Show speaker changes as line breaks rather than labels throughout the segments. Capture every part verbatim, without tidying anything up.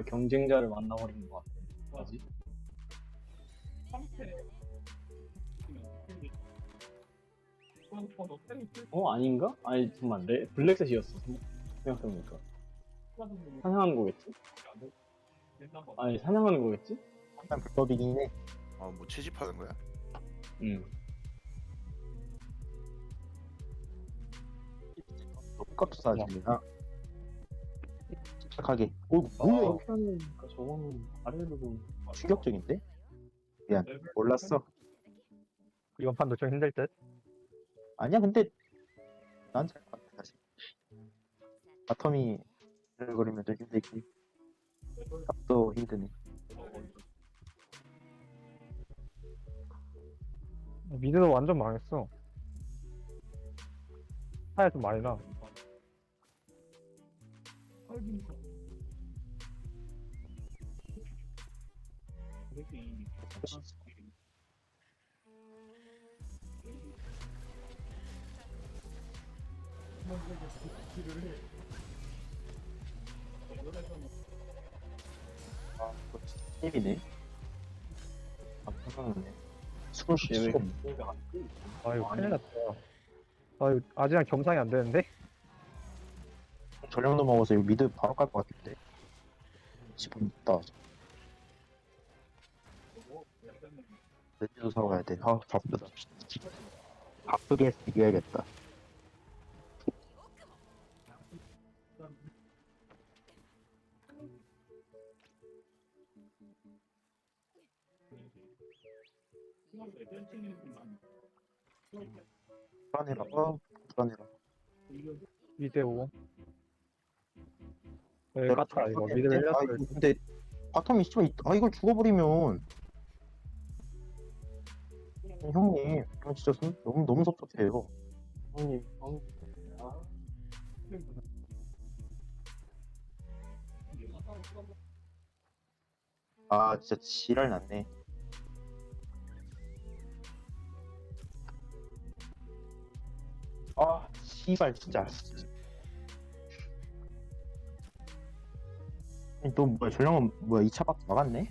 경쟁자를 만나버린 것 같아. 뭐지? 어 아닌가? 아니 잠깐만 레 블랙셋이었어 생각해보니까. 사냥하는 거겠지? 아니 사냥하는 거겠지?
약간 불법이긴 해.
아, 뭐 채집하는 거야?
응.
똑같이 사진이나 침착하게. 오
아,
뭐야?
이렇게 하니까 저거는 아래로 보면
충격적인데? 미안 몰랐어.
이번 판도 좀 힘들 듯?
아니야 근데 난 잘 봤다 사실. 바텀이 그리면 좀 힘들지. 탑도 힘드네.
미드도 완전 망했어. 차이 좀 많이 나.
아 이거 진짜 힘이네. 아 편하네. 숨을 쉴 수가 없네.
아, 이거 큰일 났다. 아, 이거 아직은 겸상이 안 되는데?
전력도 먹어서 이거 미드 바로 깔 것 같은데. 지금 있다. 레지도 사와야 돼. 아 바쁘다. 바쁘게 이겨야겠다. 불안해라. 어 불안해라.
미드 오. 네,
내가
까타, 이거.
좀
미드
아,
흘렸어.
이거 근데 바텀이 씨발 있- 아 이걸 죽어버리면 형님 이건 진짜 선- 너무 너무 섭섭해요.
형님 형. 아,
아 진짜 지랄 났네. 아 씨발 진짜. 아니, 또 뭐야 전령은 뭐야 이 차 밖에 나갔네?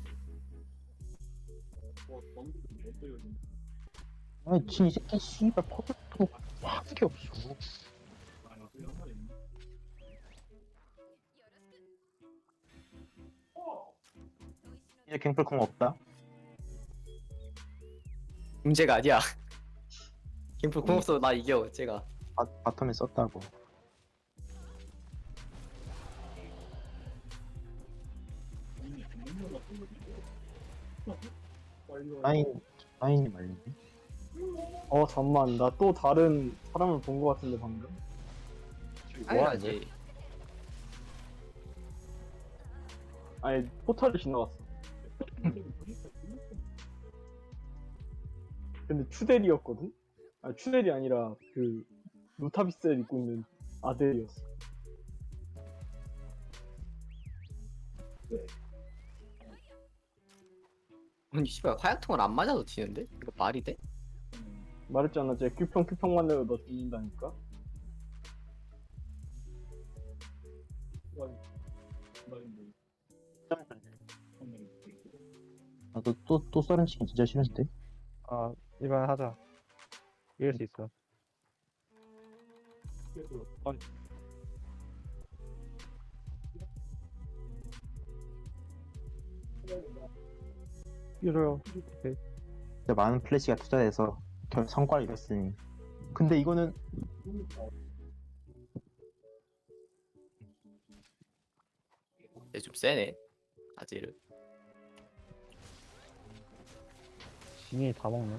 아니 지 이 새끼 씨발 퍼즐도 하는 게 없어. 이제 갱플콩 없다.
문제가 아니야. 김프 공업소 나 이겨 제가.
바, 바텀에 썼다고. 라인 라인이 말리네.
어 잠만 나 또 다른 사람을 본 것 같은데 방금.
당연하지.
아니 포탈을 지나갔어. 근데 추델이었거든? 아 추델이 아니라 그 루타비스를 입고 있는 아델이었어.
아니 씨발 화약통을 안 맞아도 지는데? 이거 말이 돼?
말했잖아 쟤 큐평 큐평만 내도 너 죽는다니까.
나도 또 또 썰은 치킨 진짜 싫은데.
아, 이번 하자. 이길 수 있어. 이래요. 오케이.
진짜 많은 플래시가 투자돼서 결 성과를 이뤘으니. 근데 이거는
얘 좀 세네. 아지르.
진이 다 먹네.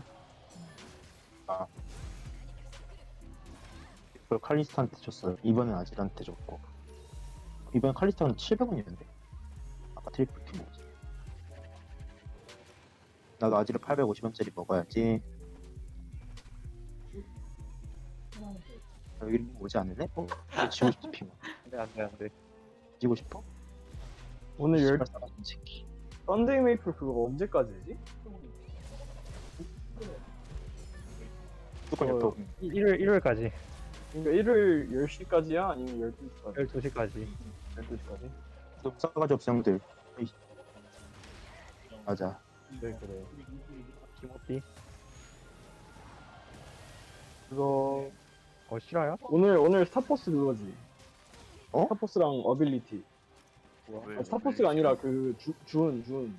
그걸 칼리스타한테 줬어요. 이번엔 아질한테 줬고. 이번 칼리스타는 칠백 원이었는데. 아까 트리플 킨 거지. 나도 아질을 팔백오십 원짜리 먹어야지. 아, 여기 오지 않을래? 어? 이거 지고 싶어 피면.
안 돼, 안 돼, 안 돼.
지고 싶어?
오늘 열
씨발 싸가지 새끼.
썬데이 메이플 그거 언제까지지?
무조건
어,
옆에 오면.
일요일, 일요일까지.
그러니까 일요일 열 시까지야? 아니면 열두 시까지?
열두 시까지.
열두 시까지?
너무 싸가지 없어 형들. 에이. 맞아.
그래 그래. 김호띠.
그거
어 실화야?
오늘 오늘 스타포스 그거지.
어?
스타포스랑 어빌리티.
왜,
아, 스타포스가
왜
아니라 그 주, 주은 주은.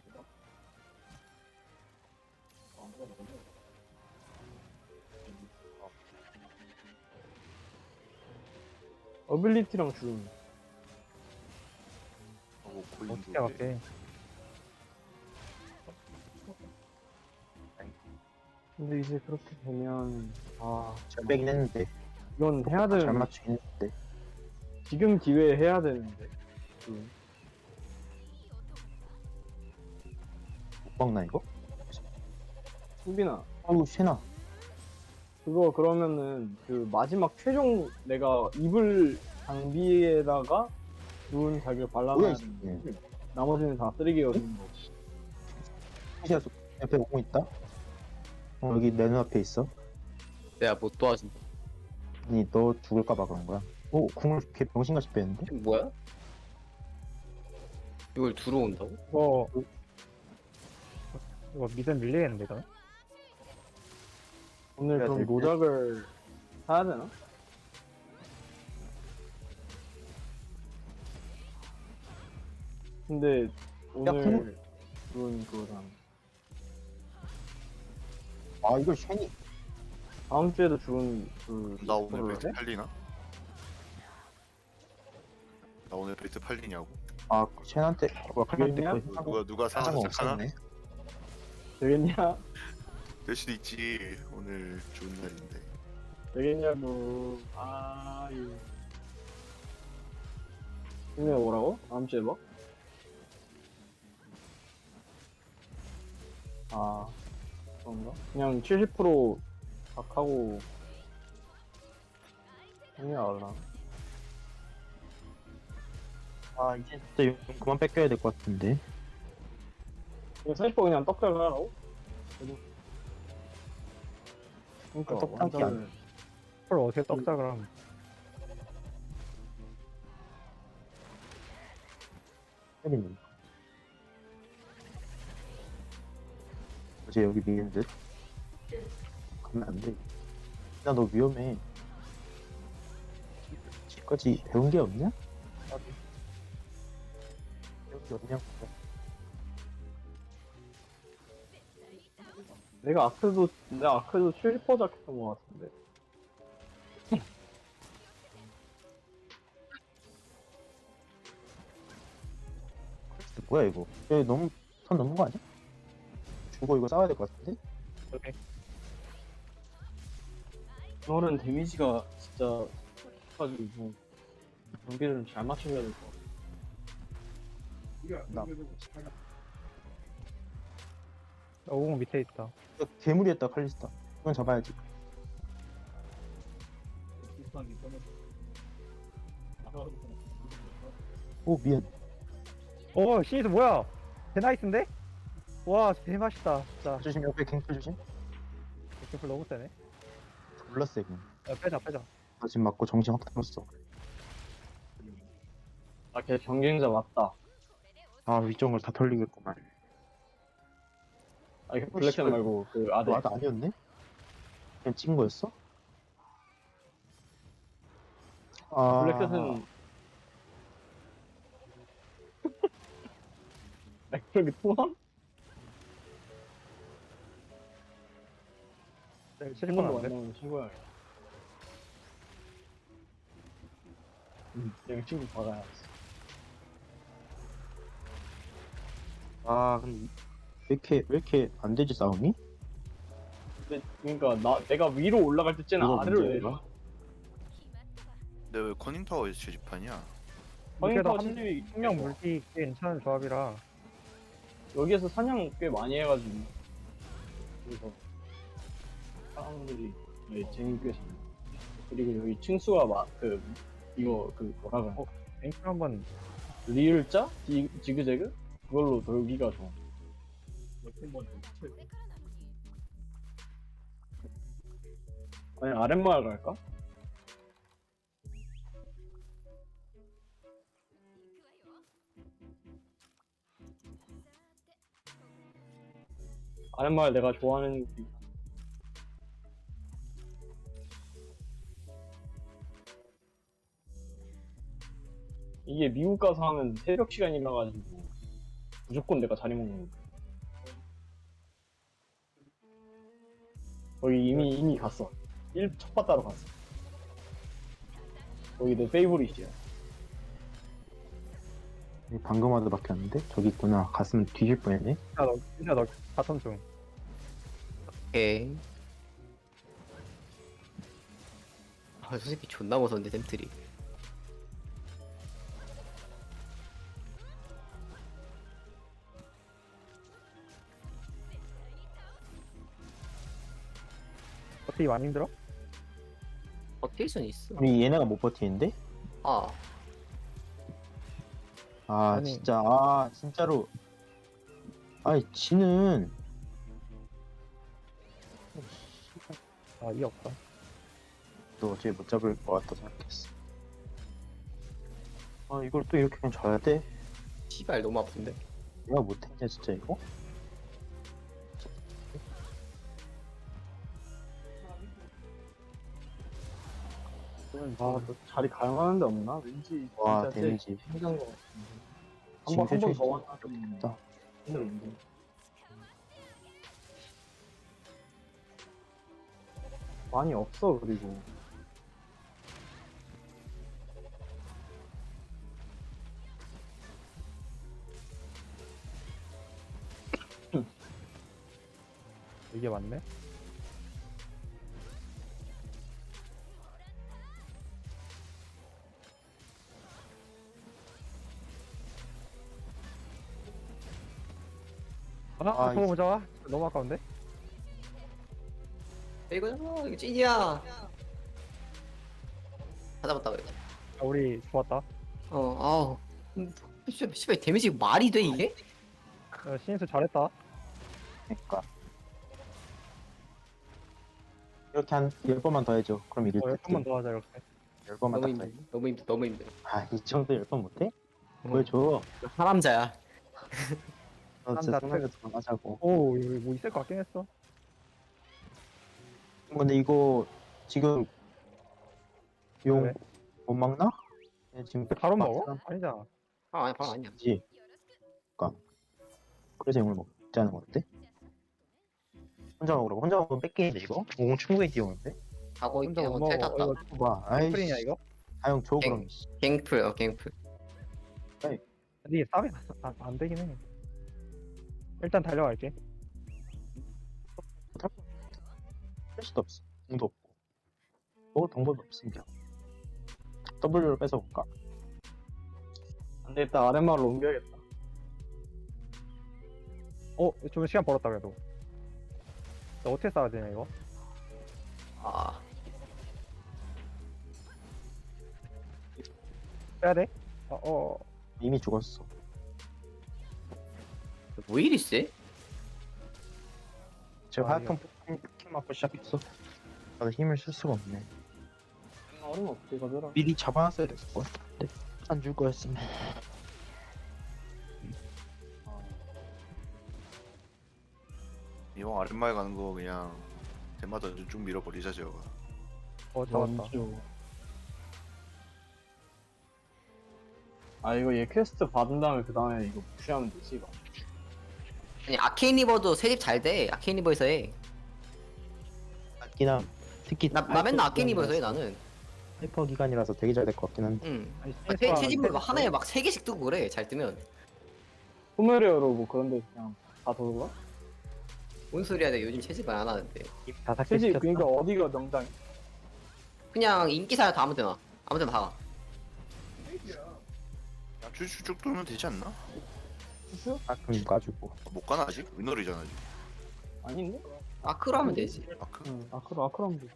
어빌리티랑 주은.
하고 고인도
어떻게 할게?
근데 이제 그렇게 되면 아
잘 빼긴 했는데.
이건 해야
잘
되는
맞추긴 했는데.
지금 기회에 해야 되는데. 음.
못 박나 이거?
수빈아
아우 쉐나.
그거 그러면은 그 마지막 최종 내가 입을 장비에다가 주은 자기를
뭐야
발라놔야
이
되는데
새끼.
나머지는 다 쓰레기가 되는 거.
시야 옆에 오고 있다. 어 여기 내 눈앞에 있어.
내가 못 도와준다.
아니 너 죽을까봐 그런 거야. 오 궁을 걔 병신같이 빼는데?
이게 뭐야? 이걸 두루 온다고?
이거 이거 미드 밀리겠는데 이거?
오늘
해야
그럼
될 듯?
노작을 사야 되나? 근데 오늘 주은 그거랑
아 이걸 쉐니.
다음 주에도 주은 그
나 오늘
그걸로
벨트
해?
팔리나? 나 오늘 벨트 팔리냐고?
아 쉐한테 뭐야 칼한테
왜냐?
그거
누가 누가
사는
사서
거
착하나?
없었네.
되겠냐?
될 수도 있지. 오늘 좋은 날인데.
되겠냐고. 아유. 근데 뭐라고? 다음 주에 뭐? 아, 그런가? 그냥 칠십 퍼센트 박하고 그냥 알라.
아 이제 진짜 용 그만 뺏겨야 될 것 같은데.
이거 사십 퍼센트 그냥 떡잘 하라고? 그러니까
아, 떡딱이
완전
헐 어떻게 떡작을 함?
쉐리님. 어제 여기 미는 듯. 가면 안 돼. 야 너 위험해. 지금까지 배운 게 없냐? 배운 게 없냐고.
내가 아크도 내가 아크도 칠십 퍼센트 잡혔던 것 같은데.
퀘스트 뭐야 이거? 얘 너무 선 넘은 거 아니야? 죽어 이거 싸워야 될 것 같은데?
오케이.
너는 데미지가 진짜 가지고 경기를 잘 맞춰야 될 것 같아.
나
오공 밑에 있다.
이거 괴물이었다 칼리스타. 이건 잡아야지. 오 미안.
오 시니스 뭐야? 대나이스인데? 와 대맛있다 진짜.
조심 옆에 갱플 조심.
개플 너무 세네.
몰랐어 이거.
야 빼자 빼자.
나 지금 맞고 정신 확 들었어.
아, 걔 경쟁자 맞다.
아 위쪽을 다 털리겠구만.
아, 이게 블랙캣 말고 그 아들.
아, 나 아니었네? 그냥 찍은 거였어? 아
블랙캣은 아, 그렇게 통함?
네,
한
칠십
번도
번
안
안 돼.
나오는 친구야. 응, 그냥 친구 받아야지.
아 근데 왜 이렇게 왜 이렇게 안 되지 싸움이?
근데 그러니까 나 내가 위로 올라갈 때 쟤는
이거
아래로
문제야,
내려.
근데 왜 커닝타워에서 채집하냐?
그래도
허니터
한
칠십이
명 물기 꽤 괜찮은 조합이라.
여기에서 사냥 꽤 많이 해가지고 그래서 사람들이 네, 재밌게 잘. 그리고 여기 층수가 막그 이거 그 뭐라 그래?
어? 앵클 한번
리을자? 지, 지그재그? 그걸로 돌기가 좋아. 아니 아랫마을 갈까? 아랫말 내가 좋아하는 느낌. 이게 미국 가서 하면 새벽 시간이라 가지고 무조건 내가 자리 먹는 거. 거기 이미 이미 갔어. 일 첫 바다로 갔어. 거기 내 페이보릿이야.
방금 와도 막혔는데? 저기 있구나. 갔으면 뒤질 뻔했네.
진짜 너 진짜 너 바텀 중.
오케이. 아, 저 새끼 존나 무서운데 템트리.
어떻게 많이 힘들어?
버틸 순 있어.
우리 얘네가 못 버티는데?
아,
아
아니.
진짜 아 진짜로 아이 지는
아, 이 없다.
너 어제 못 잡을 것 같다 생각했어. 아 이걸 또 이렇게 그냥 져야 돼?
씨발 너무 아픈데.
내가 못했냐 진짜 이거?
아, 너 자리 가용하는 데 없나? 왠지
와
진짜 쟤
데미지
힘든 거 같은데.
지금
한번 한 번
세줄
더 왔다.
있다.
힘들었는데. 많이 없어 그리고.
이게 맞네. 아,
아,
그거
이-
보자. 너무 아까운데?
이거잖아, 이거 찐이야. 찾아봤다 그래.
아, 우리 좋았다.
어, 아우. 음, 씨발, 씨발 데미지 말이 돼 이게?
어, 신인수 잘했다.
그러니까 이렇게 한 열 번만 더 해줘. 그럼 이길
어, 열
듯.
번만 더 하자 이렇게.
열 번만
너무
딱 더
힘들,
해.
너무 힘들, 너무 힘들.
아이 정도 열 번 못해?
어.
보여줘.
사람자야.
너 진짜
남자
편하게 들어가자고.
오, 이거 뭐 있을 것 같긴 했어.
근데 이거 지금 용
왜?
못 막나? 얘 지금
바로
막
먹어?
사람
아니잖아.
아, 아니, 바로 아니야.
지 그니까 그래서 용을 먹자는 건데? 혼자 먹으라고? 혼자 먹으면 뺏기는데 이거? 오 충분히 뛰어오는데?
가고
혼자
있게
못
하고 텔
먹어.
탔다.
이거
봐 아이씨
스프링이야 이거?
아형 줘
땡.
그럼
갱플, 어, 갱플.
근데 이게 싸움이 안, 안 되긴 해. 일단 달려갈게.
할 수도 없어 공도 없고 먹을 방법이 없으니까 W를 뺏어볼까?
안 되겠다. 아랫말로 옮겨야겠다.
어, 좀 시간 벌었다 그래도. 나 어떻게 싸워야 되냐 이거?
아,
빼야 돼? 어, 어.
이미 죽었어
뭐 이리 세?
제가
아,
하여튼 포켓 맞고 시작했어 나도 힘을 쓸 수가 없네
얼음 어떻게 가져라.
미리 잡아놨어야 됐을 것 같은데 안 줄 거였으면
이왕 아랫마에 가는 거 그냥 대마다 쭉 밀어버리자 저거.
어, 잡았다.
원주. 아 이거 얘 퀘스트 받은 다음에 그 다음에 이거 푸시하면 되지 이거.
아니 아케인 리버도 세집 잘 돼. 아케인 리버에서 해.
맞긴 함 특히
나, 나 맨날 아케인 리버에서 해 나는.
하이퍼 기간이라서 되게 잘 될 것 같긴 한데
응.
아니,
세,
스페이스바-
세집을 막 하나에 막 세 개씩 뜨고 그래. 잘 뜨면.
포메리어로 뭐 그런 데 그냥 다 돌아?
뭔 소리야? 내가 요즘 채집을 안 하는데.
다섯 개
세지
시켰다
그러니까 어디가 명당이?
그냥 인기사야 다 아무데나. 아무데나 다 가.
그냥 쭉쭉 돌면 되지 않나?
수수?
가끔 가지고
못 가나 아직? 위너리잖아 아직.
아닌데?
아크로 하면 되지.
아크?
응 아크로 아크로 하면 돼.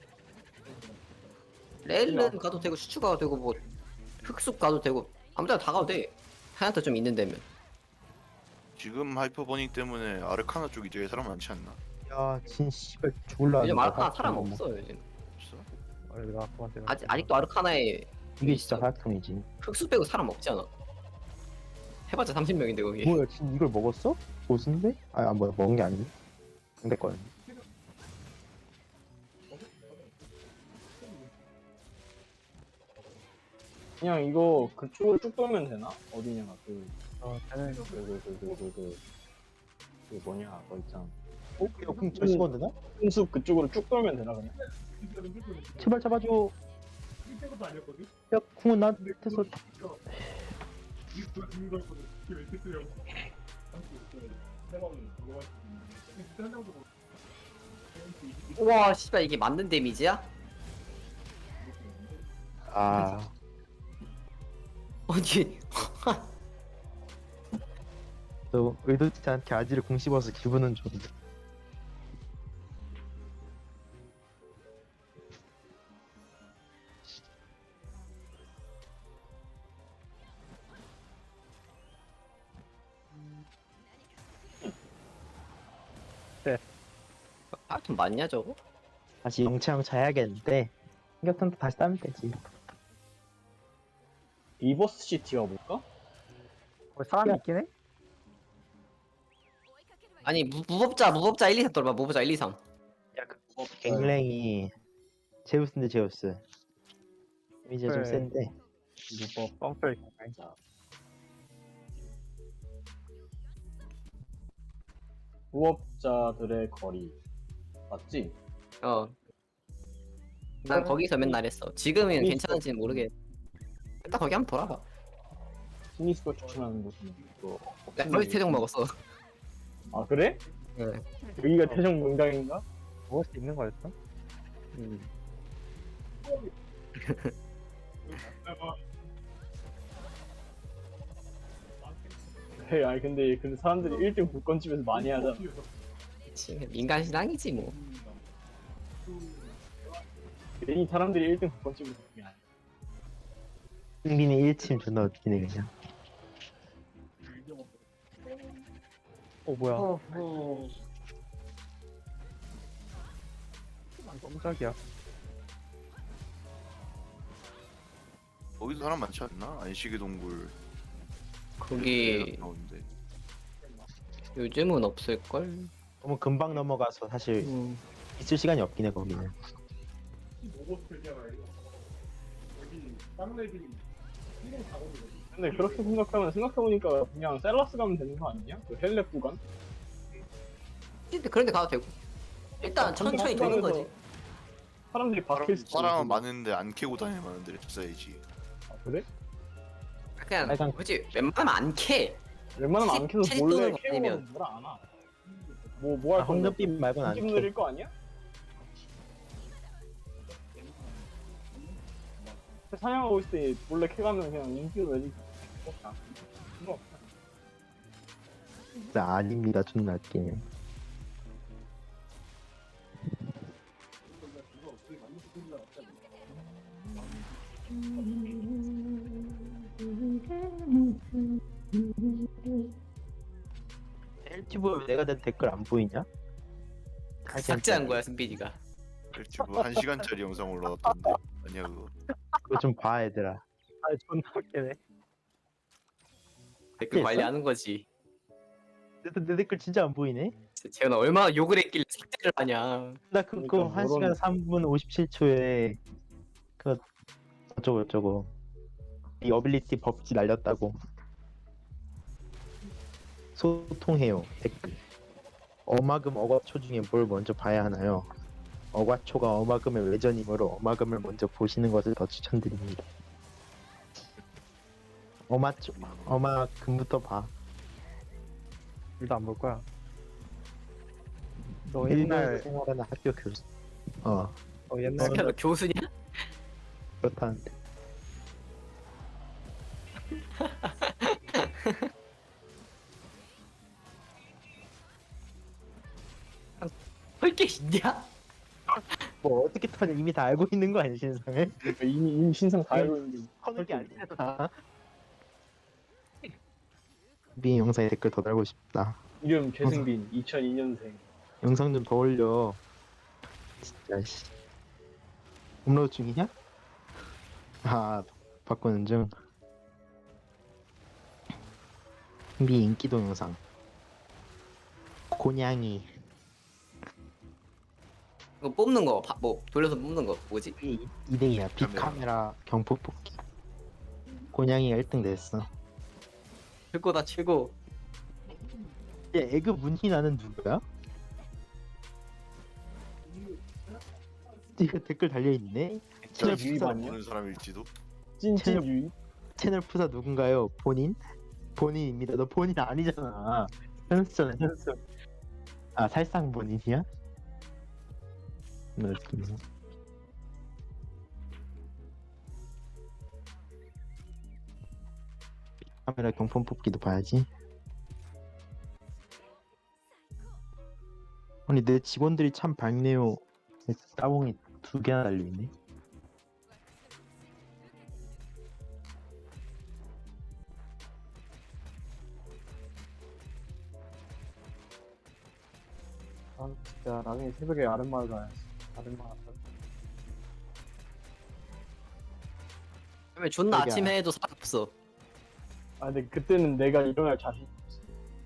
레일은 가도 되고 슈츠 가도 되고 뭐 흑숲 가도 되고 아무데나 다 가도 돼. 하얀타 좀 있는 데면.
지금 하이퍼버닝 때문에 아르카나 쪽 이제 사람 많지 않나?
야진 씨발 죽을라
요즘
하는데
아르카나
하여튼
사람
뭐.
없어 요즘.
없어?
어, 내가 그한테
아직 아직도 아르카나에
이게 진짜 하약통이지
흑숲 빼고 사람 없잖아. 해봤자 삼십 명인데 거기.
뭐야 지금 이걸 먹었어? 보스인데? 아 뭐야 먹은 게 아니네 상대권.
그냥 이거 그쪽으로 쭉 돌면 되나? 어디냐 그
어, 쟤는
그 그 그 그 그 그 그 뭐냐 거 있잖아.
어? 이거 궁 잘 씹어도 되나?
숲 그쪽으로 쭉 돌면 되나 그냥?
제발 잡아줘. 야 궁은 나한테서.
우와 씨발 이게 맞는 데미지야?
아
아니
너 의도치 않게 아지를 궁 씹어서 기분은 좋은데.
아 좀 맞냐 저거?
다시 영창 해야겠는데 공격탄도 다시 따면 되지.
리버스 시티가 뭘까?
거기 사람이
야.
있긴 해?
아니 무, 무법자 무법자 일, 이, 삼 돌봐 무법자 일, 이, 삼.
갱랭이 제우스인데 제우스. 이미지가 좀
그래.
센데.
무법
뻥쳐 있고.
자 무업자들의 거리 맞지?
어. 난 거기서 맨날 했어. 지금은
거기
괜찮은지는 모르겠. 일단 거기 한번 돌아봐.
시니스가 추천하는 곳은 또
나 거기 태종 먹었어.
아 그래?
네.
여기가 태종 명당인가?
먹을 수 있는 거였어?
음.
그래 아니 근데 근데 사람들이 일 등 불건집에서 많이 하잖아.
그치. 민간 신앙이지 뭐.
괜히 사람들이 일 등 불건집에서 그게 아니야.
승빈이 일 침 존나 웃기네 그냥.
어 뭐야?
어허.
깜짝이야.
거기도 사람 많지 않나? 안식의 동굴
거기
나오는데.
요즘은 없을걸?
너무 금방 넘어가서 사실
음.
있을 시간이 없긴 해 거기는.
근데 그렇게 생각하면 생각해보니까 그냥 셀라스 가면 되는 거 아니냐? 그 헬렙 구간?
근데 그런데 가도 되고. 일단 천천히 도는 거지.
사람들이 박힐 수
사람은
있고.
많은데 안 캐고 다닐 만한 데를 찾아야지.
아, 그래?
그냥
빨간-
그지 웬만하면 안 캐.
웬만하면 안 캐서
체리
몰래
또는
캐고
아니면-
뭐라 안 하. 뭐 뭐 할
아,
건데?
황금빛 말고는 안
집
켜.
느릴 거 아니야? 사냥하고 있을 때 몰래 캐가면 그냥 인기로 내지. 없다. 필요 없다.
진짜 아닙니다 존나 웃기네. 유튜브에 내가 낸 댓글 안 보이냐?
삭제한 거야 승빈이가.
유튜브 한 시간짜리 영상 올라왔던데 아니야 그거.
그거 좀 봐 얘들아.
아 존나 웃기네.
댓글
했어?
관리하는 거지.
내, 내 댓글 진짜 안 보이네?
재현아 얼마나 욕을 했길래 삭제를 하냐.
나 그거
그러니까
한 시간
뭐라는-
삼 분 오십칠 초에 그 어쩌고 저쩌고 이 어빌리티 법지 날렸다고. 소통해요 댓글. 어마금 어과초 중에 뭘 먼저 봐야 하나요? 어과초가 어마금의 외전이므로 어마금을 먼저 보시는 것을 더 추천드립니다. 어마초 어마금부터 봐.
둘 다 안 볼 거야. 너
일본
옛날
생활하는 학교 교수. 어
어 옛날
승빈아 너 교수냐?
그렇다는데.
할 게 있냐?
뭐 어떻게 터냐 이미 다 알고 있는 거 아니야 신상을?
그러니까 이미 이미 신상 다 알고 있는데.
터는 게 아니잖아. 미 영상에 댓글 더 달고 싶다.
이름 최승빈 이천이 년생.
영상 좀 더 올려. 진짜 씨. 업로드 중이냐? 아 바꾸는 중. 미 인기 동영상. 곤양이
이거 뽑는 거, 바- 뭐 돌려서 뽑는 거 뭐지?
이 등이야. 빅카메라 경포 뽑기. 곤양이가 일 등 됐어.
최고다 최고.
야, 에그 문희나는 누구야? 이거 댓글 달려있네? 채널
진짜
푸사,
유입
보는 사람일지도.
찐찐
채널-
유입.
채널 푸사 누군가요? 본인? 본인입니다. 너 본인 아니잖아. 현수잖아, 현수. 아, 살상 본인이야? 네, 그렇습니다. 카메라 경품 뽑기도 봐야지. 아니 내 직원들이 참 밝네요. 따봉이 두 개나 달려있네.
아 진짜 나중에 새벽에 아름마을 가야지. 아름마을.
그러면 존나
여기야.
아침에 해도 사람 없어.
아 근데 그때는 내가 일어날 자신 없어.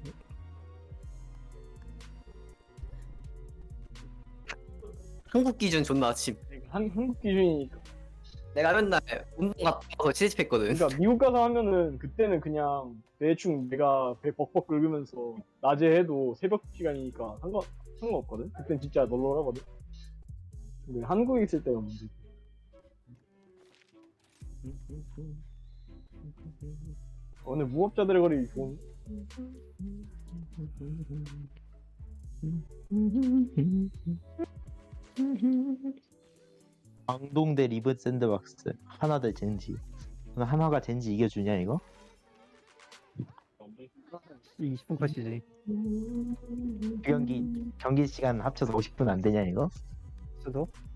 한국 기준 존나 아침.
그러니까 한, 한국 기준이니까.
내가 맨날 운동 갔다 와서 채집했거든.
그러니까 미국 가서 하면은 그때는 그냥 대충 내가 배 벅벅 긁으면서 낮에 해도 새벽 시간이니까 상관 상관없거든. 그땐 진짜 널널하거든. 근데 한국에 있을 때가 문제. 오늘 무법자들의 거리 좋은.
광동대 리브 샌드박스 하나 대 젠지. 오늘 한화가 젠지 이겨주냐 이거?
이십 분 컷이지.
그 경기 경기 시간 합쳐서 오십 분 안 되냐 이거?
수도